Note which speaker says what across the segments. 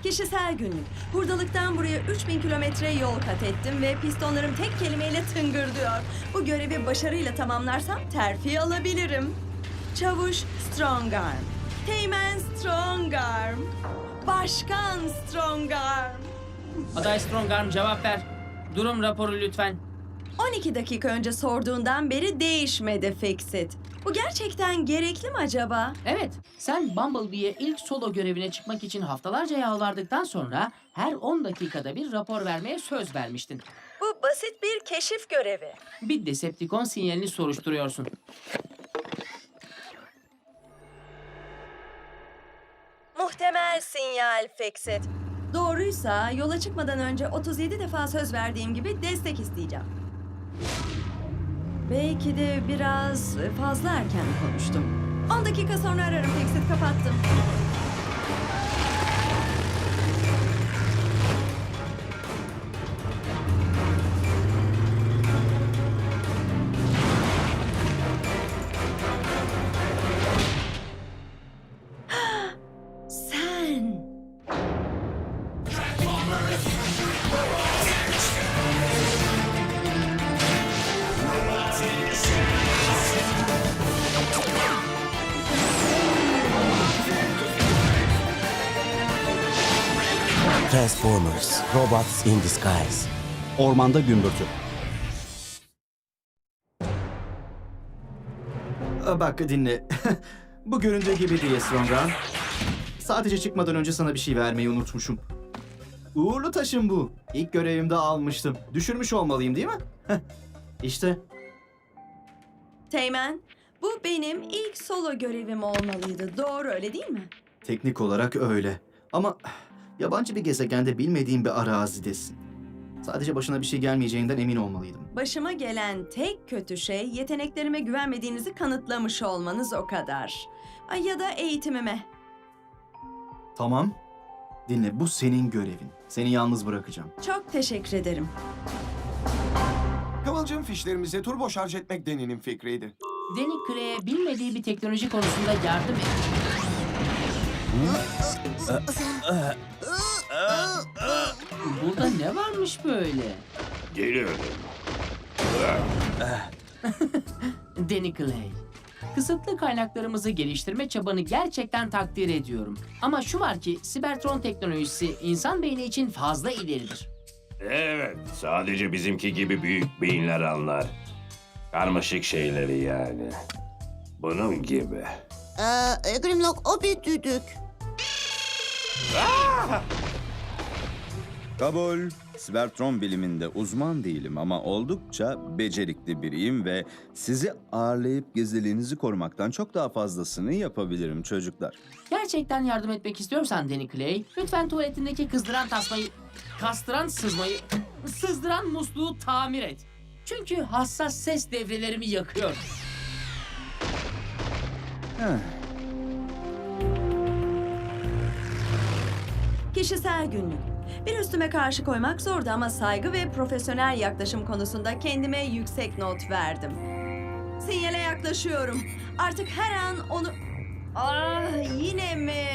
Speaker 1: Kişisel günlük. Hurdalıktan buraya 3000 kilometre yol kat ettim ve pistonlarım tek kelimeyle tıngırdıyor. Bu görevi başarıyla tamamlarsam terfi alabilirim. Çavuş Strongarm. Teğmen Strongarm. Başkan Strongarm.
Speaker 2: Aday Strongarm cevap ver. Durum raporu lütfen.
Speaker 1: 12 dakika önce sorduğundan beri değişmedi Fixit. Bu gerçekten gerekli mi acaba?
Speaker 2: Evet, sen Bumblebee'ye ilk solo görevine çıkmak için haftalarca yalvardıktan sonra her 10 dakikada bir rapor vermeye söz vermiştin.
Speaker 1: Bu basit bir keşif görevi.
Speaker 2: Bir Decepticon sinyalini soruşturuyorsun.
Speaker 1: Muhtemel sinyal Fixit. Doğruysa yola çıkmadan önce 37 defa söz verdiğim gibi destek isteyeceğim. Belki de biraz fazla erken konuştum. 10 dakika sonra ararım Fixit, kapattım. Sen...
Speaker 3: Transformers, Robots in Disguise.
Speaker 4: Ormanda gümbürtü.
Speaker 5: Bak dinle. Bu göründüğü gibi değil Strongarm. Sadece çıkmadan önce sana bir şey vermeyi unutmuşum. Uğurlu taşım bu. İlk görevimde almıştım. Düşürmüş olmalıyım değil mi? İşte.
Speaker 1: Teğmen, bu benim ilk solo görevim olmalıydı. Doğru, öyle değil mi?
Speaker 5: Teknik olarak öyle. Ama yabancı bir gezegende bilmediğim bir arazidesin. Sadece başına bir şey gelmeyeceğinden emin olmalıydım.
Speaker 1: Başıma gelen tek kötü şey yeteneklerime güvenmediğinizi kanıtlamış olmanız, o kadar. Ay, ya da eğitimime.
Speaker 5: Tamam. Dinle, bu senin görevin. Seni yalnız bırakacağım.
Speaker 1: Çok teşekkür ederim.
Speaker 6: Kıvılcım fişlerimize turbo şarj etmek Deni'nin fikriydi.
Speaker 2: Danny Clay'e bilmediği bir teknoloji konusunda yardım et. Burada ne varmış böyle?
Speaker 7: Geliyorum.
Speaker 2: Danny Clay. Kısıtlı kaynaklarımızı geliştirme çabanı gerçekten takdir ediyorum. Ama şu var ki Cybertron teknolojisi insan beyni için fazla ileridir.
Speaker 7: Evet, sadece bizimki gibi büyük beyinler anlar. Karmaşık şeyleri yani. Bunun gibi.
Speaker 8: Grimlock, o bir düdük.
Speaker 9: Kabul. Cybertron biliminde uzman değilim ama oldukça becerikli biriyim ve sizi ağırlayıp gizliliğinizi korumaktan çok daha fazlasını yapabilirim çocuklar.
Speaker 2: Gerçekten yardım etmek istiyorsan Danny Clay, lütfen tuvaletindeki kızdıran tasmayı, kastıran sızmayı, sızdıran musluğu tamir et. Çünkü hassas ses devrelerimi yakıyor.
Speaker 1: Kişisel günlük. Bir üstüme karşı koymak zordu ama saygı ve profesyonel yaklaşım konusunda kendime yüksek not verdim. Sinyale yaklaşıyorum. Artık her an onu... Ah, yine mi?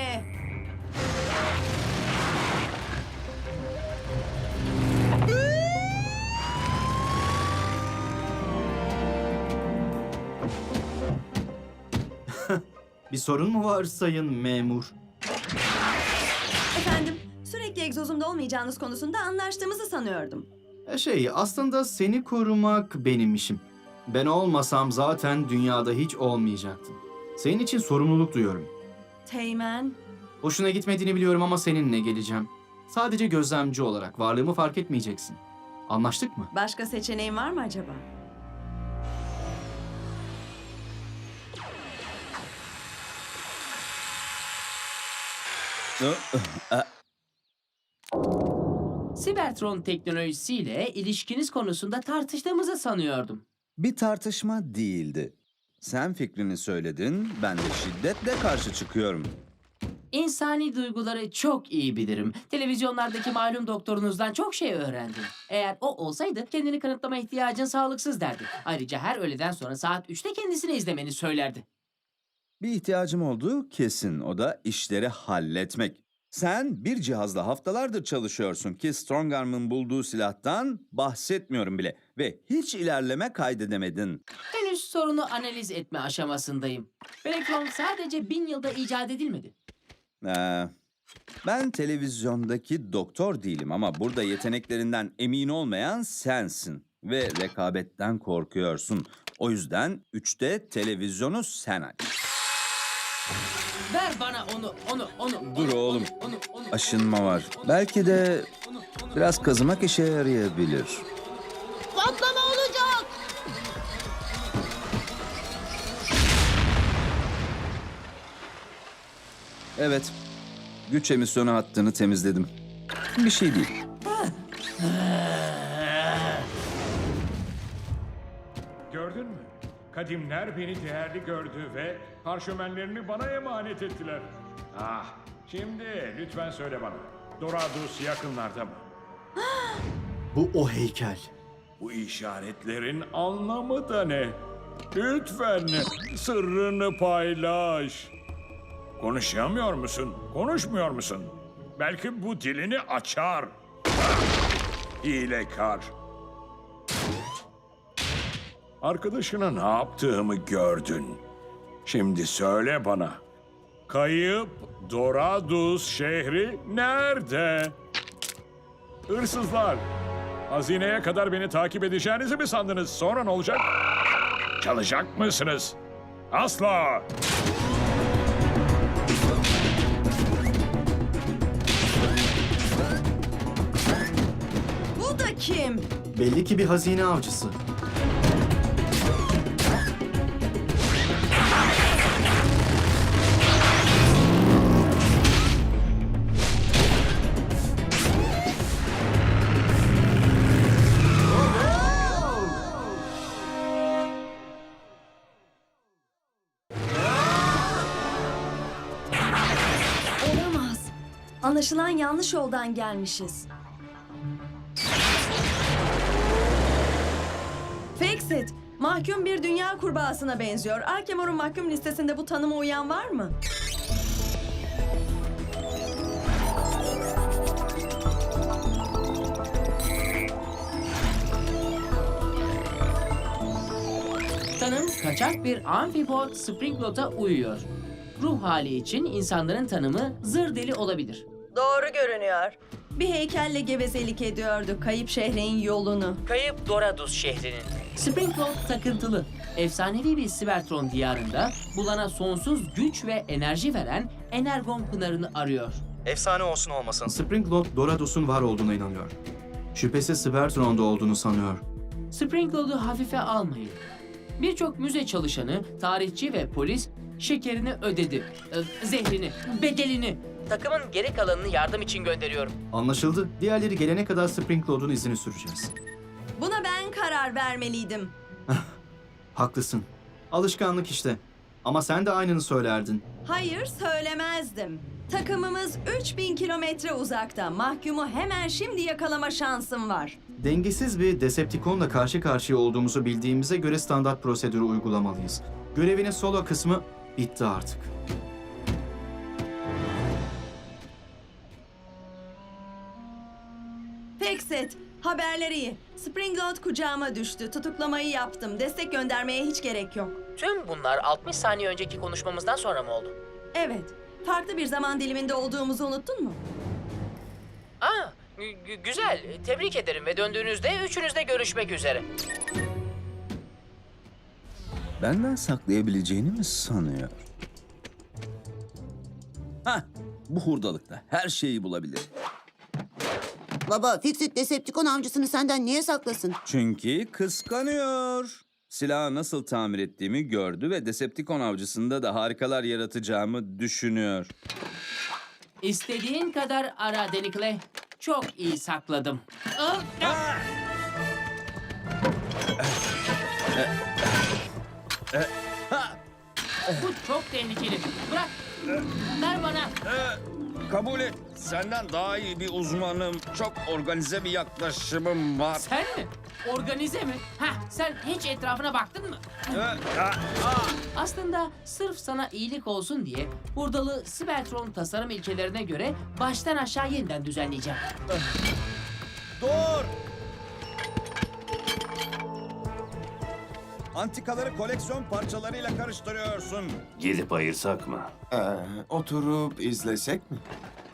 Speaker 5: Bir sorun mu var sayın memur?
Speaker 1: Efendim, sürekli egzozumda olmayacağınız konusunda anlaştığımızı sanıyordum.
Speaker 5: Aslında seni korumak benim işim. Ben olmasam zaten dünyada hiç olmayacaktın. Senin için sorumluluk duyuyorum.
Speaker 1: Teğmen,
Speaker 5: Hoşuna gitmediğini biliyorum ama seninle geleceğim. Sadece gözlemci olarak varlığımı fark etmeyeceksin. Anlaştık mı?
Speaker 1: başka seçeneğin var mı acaba?
Speaker 2: Cybertron teknolojisiyle ilişkiniz konusunda tartıştığımızı sanıyordum.
Speaker 9: Bir tartışma değildi. Sen fikrini söyledin, ben de şiddetle karşı çıkıyorum.
Speaker 2: İnsani duyguları çok iyi bilirim. Televizyonlardaki malum doktorunuzdan çok şey öğrendim. Eğer o olsaydı kendini kanıtlama ihtiyacın sağlıksız derdi. Ayrıca her öğleden sonra saat 3'te kendisini izlemeni söylerdi.
Speaker 9: Bir ihtiyacım olduğu kesin, o da işleri halletmek. Sen bir cihazla haftalardır çalışıyorsun ki Strongarm'ın bulduğu silahtan bahsetmiyorum bile. Ve hiç ilerleme kaydedemedin.
Speaker 2: Henüz sorunu analiz etme aşamasındayım. Elektron sadece 1000 yılda icat edilmedi.
Speaker 9: Ben televizyondaki doktor değilim ama burada yeteneklerinden emin olmayan sensin. Ve rekabetten korkuyorsun. O yüzden 3'te televizyonu sen aç.
Speaker 2: Ver bana onu.
Speaker 9: Dur oğlum.
Speaker 2: Onu.
Speaker 9: Aşınma var. Belki de biraz kazımak işe yarayabilir.
Speaker 8: Patlama olacak.
Speaker 9: Evet. Güç emisyonu hattını temizledim. Bir şey değil.
Speaker 4: Gördün mü? Kadimler beni değerli gördü ve parşömenlerini bana emanet ettiler. Ah, şimdi lütfen söyle bana. Doradus yakınlarda mı?
Speaker 5: Bu o heykel.
Speaker 4: Bu işaretlerin anlamı da ne? Lütfen sırrını paylaş. Konuşamıyor musun? Konuşmuyor musun? Belki bu dilini açar. Hilekar. Arkadaşına ne yaptığımı gördün. Şimdi söyle bana. Kayıp Doradus şehri nerede? Hırsızlar. Hazineye kadar beni takip edeceğinizi mi sandınız? Sonra ne olacak? Çalacak mısınız? Asla.
Speaker 1: Bu da kim?
Speaker 5: Belli ki bir hazine avcısı.
Speaker 1: Olamaz. Anlaşılan yanlış yoldan gelmişiz. Fixit, mahkum bir dünya kurbağasına benziyor. Arkemor'un mahkum listesinde bu tanıma uyan var mı?
Speaker 2: Tanım kaçak bir amfipod Springlot'a uyuyor. Ruh hali için insanların tanımı zır deli olabilir.
Speaker 1: Doğru görünüyor. Bir heykelle gevezelik ediyordu kayıp şehrin yolunu.
Speaker 2: Kayıp Doradus şehrinin. Springlot takıntılı. Efsanevi bir Cybertron diyarında bulana sonsuz güç ve enerji veren Energon pınarını arıyor.
Speaker 5: Efsane olsun olmasın. Springlord Doradus'un var olduğuna inanıyor. Şüphesiz Cybertron'da olduğunu sanıyor.
Speaker 2: Springlot'u hafife almayın. Birçok müze çalışanı, tarihçi ve polis şekerini ödedi. Zehrini, bedelini. Takımın geri kalanını yardım için gönderiyorum.
Speaker 5: Anlaşıldı. Diğerleri gelene kadar Springlord'un izini süreceğiz.
Speaker 1: Buna ben karar vermeliydim.
Speaker 5: Haklısın. Alışkanlık işte. Ama sen de aynını söylerdin.
Speaker 1: Hayır, söylemezdim. Takımımız 3000 kilometre uzakta. Mahkumu hemen şimdi yakalama şansım var.
Speaker 5: Dengesiz bir Decepticon'la karşı karşıya olduğumuzu bildiğimize göre standart prosedürü uygulamalıyız. Görevinin solo kısmı bitti artık.
Speaker 1: Fixit, haberler iyi. Springlord kucağıma düştü. Tutuklamayı yaptım. Destek göndermeye hiç gerek yok.
Speaker 2: Tüm bunlar 60 saniye önceki konuşmamızdan sonra mı oldu?
Speaker 1: Evet, farklı bir zaman diliminde olduğumuzu unuttun mu?
Speaker 2: Aa, güzel. Tebrik ederim ve döndüğünüzde üçünüzde görüşmek üzere.
Speaker 9: Benden saklayabileceğini mi sanıyor? Hah, bu hurdalıkta her şeyi bulabilir.
Speaker 8: Baba, Fixit Decepticon avcısını senden niye saklasın?
Speaker 9: Çünkü kıskanıyor. Silahı nasıl tamir ettiğimi gördü ve Decepticon avcısında da harikalar yaratacağımı düşünüyor.
Speaker 2: İstediğin kadar ara Denikle. Çok iyi sakladım. Bu çok tehlikeli. Bırak. Ver bana.
Speaker 9: Kabul et. Senden daha iyi bir uzmanım. Çok organize bir yaklaşımım var.
Speaker 2: Sen mi? Organize mi? Hah, sen hiç etrafına baktın mı? Aslında sırf sana iyilik olsun diye hurdalı Cybertron tasarım ilkelerine göre baştan aşağı yeniden düzenleyeceğim.
Speaker 9: Dur! Antikaları koleksiyon parçalarıyla karıştırıyorsun.
Speaker 7: Gidip ayırsak mı?
Speaker 6: Oturup izlesek mi?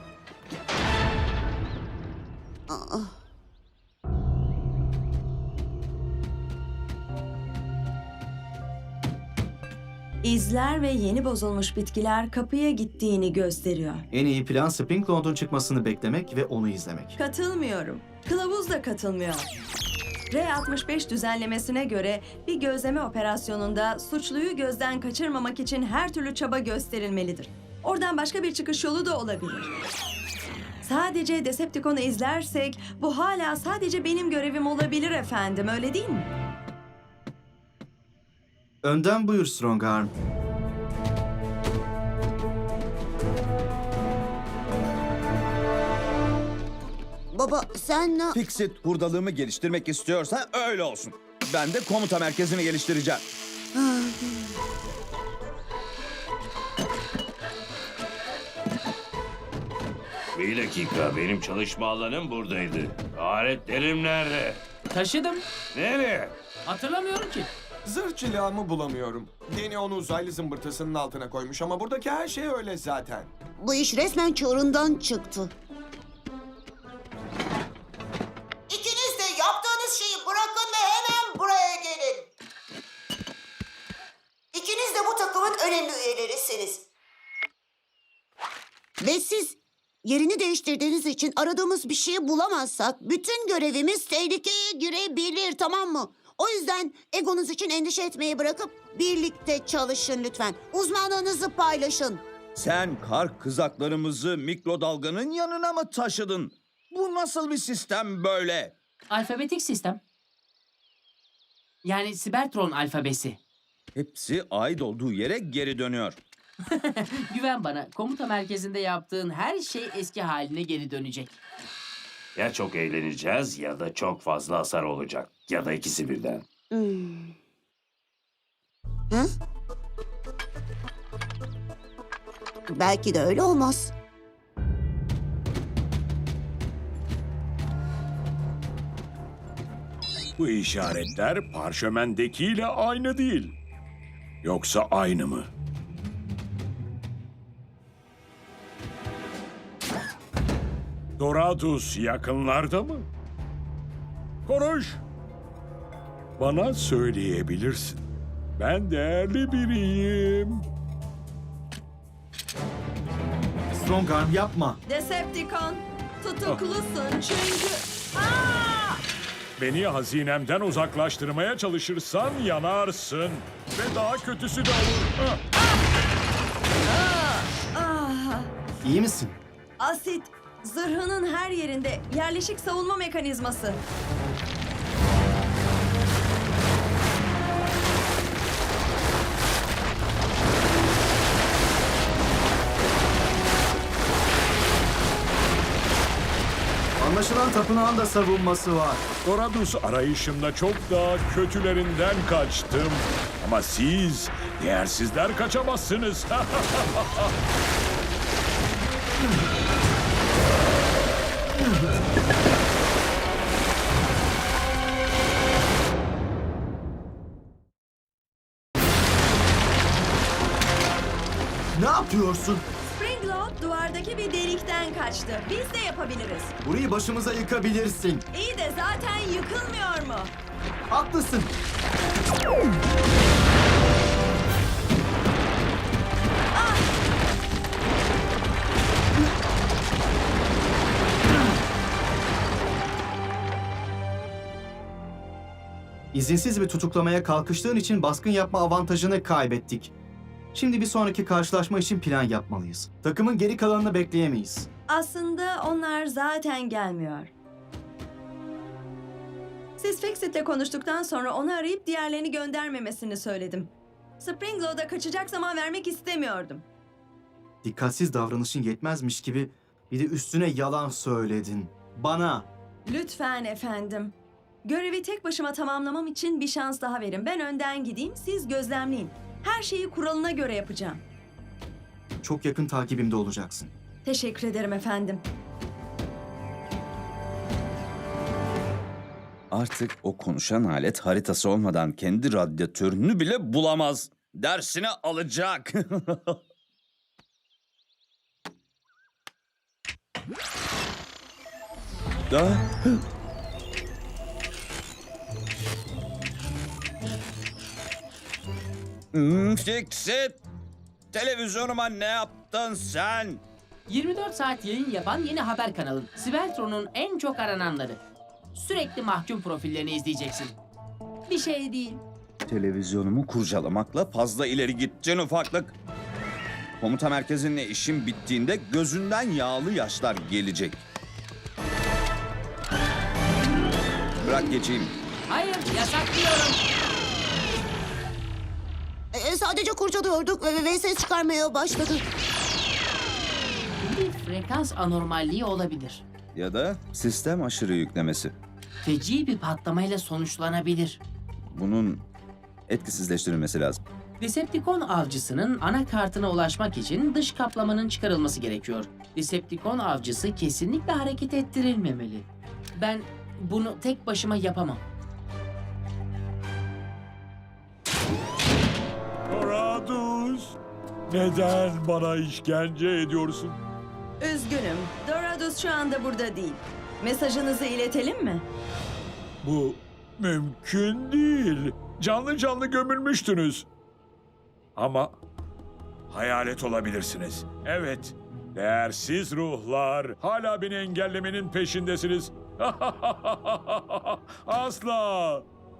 Speaker 1: İzler ve yeni bozulmuş bitkiler kapıya gittiğini gösteriyor.
Speaker 5: En iyi plan Springload'un çıkmasını beklemek ve onu izlemek.
Speaker 1: Katılmıyorum. Kılavuz da katılmıyor. R65 düzenlemesine göre bir gözleme operasyonunda suçluyu gözden kaçırmamak için her türlü çaba gösterilmelidir. Oradan başka bir çıkış yolu da olabilir. Sadece Decepticon'u izlersek bu hala sadece benim görevim olabilir efendim, öyle değil mi?
Speaker 5: Önden buyur Strongarm.
Speaker 8: Baba sen ne...
Speaker 9: Fixit hurdalığımı geliştirmek istiyorsa öyle olsun. Ben de komuta merkezini geliştireceğim.
Speaker 7: Bir dakika, benim çalışma alanım buradaydı. Aletlerim nerede?
Speaker 2: Taşıdım.
Speaker 7: Nereye?
Speaker 2: Hatırlamıyorum ki.
Speaker 6: Zırh cilağımı bulamıyorum. Deni onu uzaylı zımbırtısının altına koymuş ama buradaki her şey öyle zaten.
Speaker 8: Bu iş resmen çığırından çıktı. İkiniz de yaptığınız şeyi bırakın ve hemen buraya gelin. İkiniz de bu takımın önemli üyelerisiniz. Ve siz yerini değiştirdiğiniz için aradığımız bir şeyi bulamazsak bütün görevimiz tehlikeye girebilir, tamam mı? O yüzden egonuz için endişe etmeyi bırakıp birlikte çalışın lütfen. Uzmanlığınızı paylaşın.
Speaker 9: Sen kar kızaklarımızı mikrodalganın yanına mı taşıdın? Bu nasıl bir sistem böyle?
Speaker 2: Alfabetik sistem. Yani Cybertron alfabesi.
Speaker 9: Hepsi ait olduğu yere geri dönüyor.
Speaker 2: Güven bana, komuta merkezinde yaptığın her şey eski haline geri dönecek.
Speaker 7: Ya çok eğleneceğiz ya da çok fazla hasar olacak. Ya da ikisi birden.
Speaker 8: Hı? Belki de öyle olmaz.
Speaker 4: Bu işaretler parşömendekiyle aynı değil. Yoksa aynı mı? Doradus yakınlarda mı? Konuş. Bana söyleyebilirsin. Ben değerli biriyim.
Speaker 5: Strongarm yapma.
Speaker 1: Decepticon, tutuklusun çünkü... Aa!
Speaker 4: Beni hazinemden uzaklaştırmaya çalışırsan yanarsın. Ve daha kötüsü de olur.
Speaker 1: Ah!
Speaker 5: İyi misin?
Speaker 1: Asit, zırhının her yerinde yerleşik savunma mekanizması.
Speaker 5: Anlaşılan tapınağın da savunması var.
Speaker 4: Doradus arayışımda çok daha kötülerinden kaçtım. Ama siz değersizler kaçamazsınız.
Speaker 5: Ne yapıyorsun?
Speaker 1: Springload duvardaki bir delikten kaçtı. Biz de yapabiliriz.
Speaker 5: Burayı başımıza yıkabilirsin.
Speaker 1: İyi de zaten yıkılmıyor mu?
Speaker 5: Haklısın. İzinsiz bir tutuklamaya kalkıştığın için baskın yapma avantajını kaybettik. Şimdi bir sonraki karşılaşma için plan yapmalıyız. Takımın geri kalanını bekleyemeyiz.
Speaker 1: Aslında onlar zaten gelmiyor. Siz Fixit'le konuştuktan sonra onu arayıp diğerlerini göndermemesini söyledim. Springload'a kaçacak zaman vermek istemiyordum.
Speaker 5: Dikkatsiz davranışın yetmezmiş gibi Bir de üstüne yalan söyledin. Bana.
Speaker 1: Lütfen efendim. Görevi tek başıma tamamlamam için bir şans daha verin. Ben önden gideyim, siz gözlemleyin. Her şeyi kuralına göre yapacağım.
Speaker 5: Çok yakın takibimde olacaksın.
Speaker 1: Teşekkür ederim efendim.
Speaker 9: Artık o konuşan alet haritası olmadan kendi radyatörünü bile bulamaz. Dersini alacak. Da. Fixit. Televizyonuma ne yaptın sen?
Speaker 2: 24 saat yayın yapan yeni haber kanalı. Sibeltron'un en çok arananları. Sürekli mahkum profillerini izleyeceksin.
Speaker 1: Bir şey değil.
Speaker 9: Televizyonumu kurcalamakla fazla ileri gittin ufaklık. Komuta merkezinle işim bittiğinde gözünden yağlı yaşlar gelecek. Bırak geçeyim.
Speaker 2: Hayır, yasaklıyorum.
Speaker 8: Sadece kurcalıyorduk ve ses çıkarmaya başladı.
Speaker 2: Bir frekans anormalliği olabilir.
Speaker 9: Ya da sistem aşırı yüklemesi.
Speaker 2: Feci bir patlamayla sonuçlanabilir.
Speaker 9: Bunun etkisizleştirilmesi lazım.
Speaker 2: Decepticon avcısının anakartına ulaşmak için dış kaplamanın çıkarılması gerekiyor. Decepticon avcısı kesinlikle hareket ettirilmemeli. Ben bunu tek başıma yapamam.
Speaker 4: Doradus, neden bana işkence ediyorsun?
Speaker 1: Üzgünüm. Doradus şu anda burada değil. Mesajınızı iletelim mi?
Speaker 4: Bu mümkün değil. Canlı canlı gömülmüştünüz. Ama hayalet olabilirsiniz. Evet, değersiz ruhlar. Hala beni engellemenin peşindesiniz. Asla.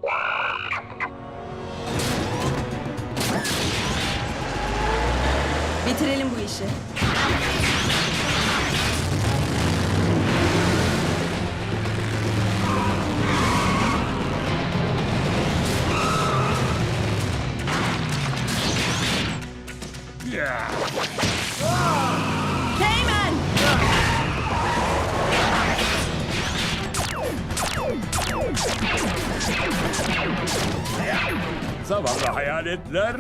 Speaker 1: Bitirelim bu işi.
Speaker 4: Yeah.
Speaker 1: Teğmen!
Speaker 4: Zavallı hayaletler.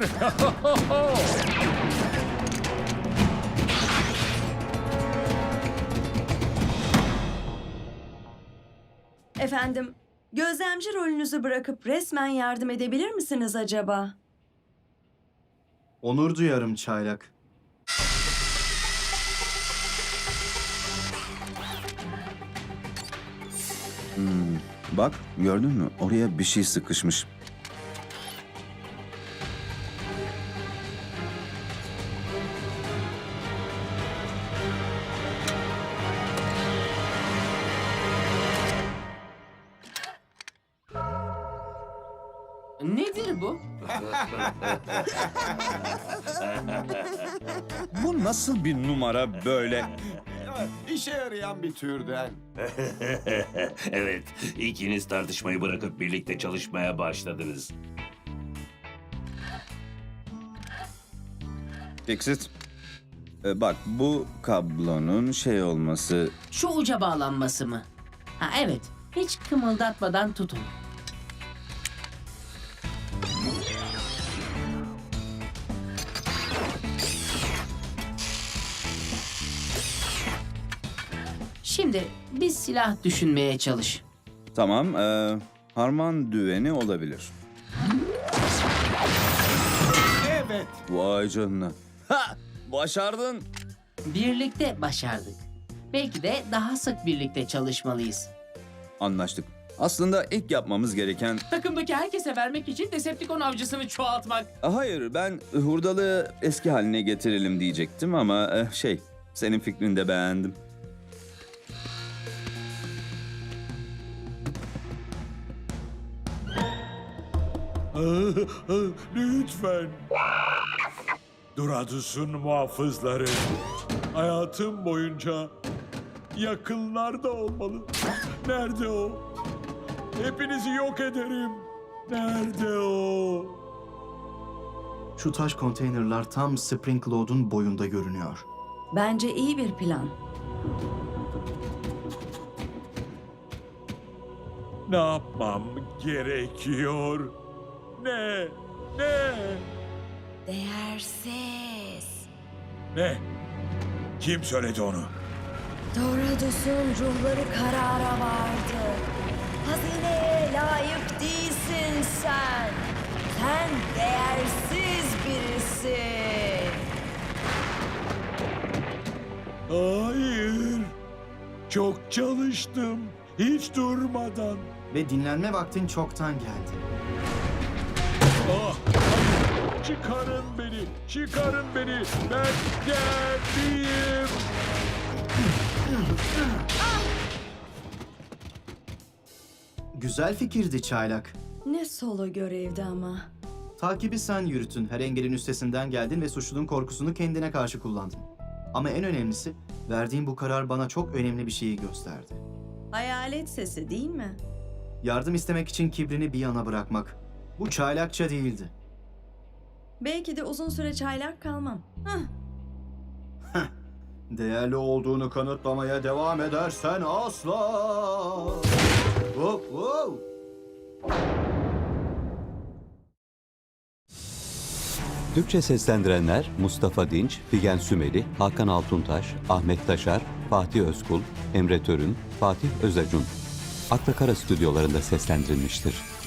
Speaker 1: Efendim, gözlemci rolünüzü bırakıp resmen yardım edebilir misiniz acaba?
Speaker 5: Onur duyarım çaylak.
Speaker 9: Bak gördün mü? Oraya bir şey sıkışmış.
Speaker 2: Nedir bu?
Speaker 9: Bu nasıl bir numara böyle?
Speaker 6: İşe yarayan bir türden.
Speaker 7: Evet, ikiniz tartışmayı bırakıp birlikte çalışmaya başladınız.
Speaker 9: Fixit. Bak bu kablonun şey olması...
Speaker 2: Şu uca bağlanması mı? Ha evet, hiç kımıldatmadan tutun. Şimdi bir silah düşünmeye çalış.
Speaker 9: Tamam, harman düveni olabilir.
Speaker 6: Evet.
Speaker 9: Vay canına. Ha! Başardın.
Speaker 2: Birlikte başardık. Belki de daha sık birlikte çalışmalıyız.
Speaker 9: Anlaştık. Aslında ilk yapmamız gereken...
Speaker 2: Takımdaki herkese vermek için Decepticon avcısını çoğaltmak.
Speaker 9: Hayır, ben hurdalığı eski haline getirelim diyecektim ama senin fikrini de beğendim.
Speaker 4: Lütfen. Doradus'un muhafızları hayatım boyunca yakınlarda olmalı. Nerede o? Hepinizi yok ederim. Nerede o?
Speaker 5: Şu taş konteynerlar tam Spring Lord'un boyunda görünüyor.
Speaker 1: Bence iyi bir plan.
Speaker 4: Ne yapmam gerekiyor? Ne?
Speaker 1: Değersiz.
Speaker 4: Ne? Kim söyledi onu?
Speaker 1: Doradus'un ruhları karara vardı. Hazineye layık değilsin sen. Sen değersiz birisin.
Speaker 4: Hayır. Çok çalıştım. Hiç durmadan.
Speaker 5: Ve dinlenme vaktin çoktan geldi.
Speaker 4: Ah, hayır. Çıkarın beni. Çıkarın beni. Ben geldim.
Speaker 5: Güzel fikirdi çaylak.
Speaker 1: Ne solo görevdi ama.
Speaker 5: Takibi sen yürütün. Her engelin üstesinden geldin ve suçlunun korkusunu kendine karşı kullandın. Ama en önemlisi, verdiğin bu karar bana çok önemli bir şeyi gösterdi.
Speaker 1: Hayalet sesi değil mi?
Speaker 5: Yardım istemek için kibrini bir yana bırakmak. Bu çaylakça değildi.
Speaker 1: Belki de uzun süre çaylak kalmam.
Speaker 5: Değerli olduğunu kanıtlamaya devam edersen asla. Hop hop.
Speaker 10: Türkçe seslendirenler Mustafa Dinç, Figen Sümeli, Hakan Altuntaş, Ahmet Taşar, Fatih Özkul, Emre Törün, Fatih Özacun. Akla Kara stüdyolarında seslendirilmiştir.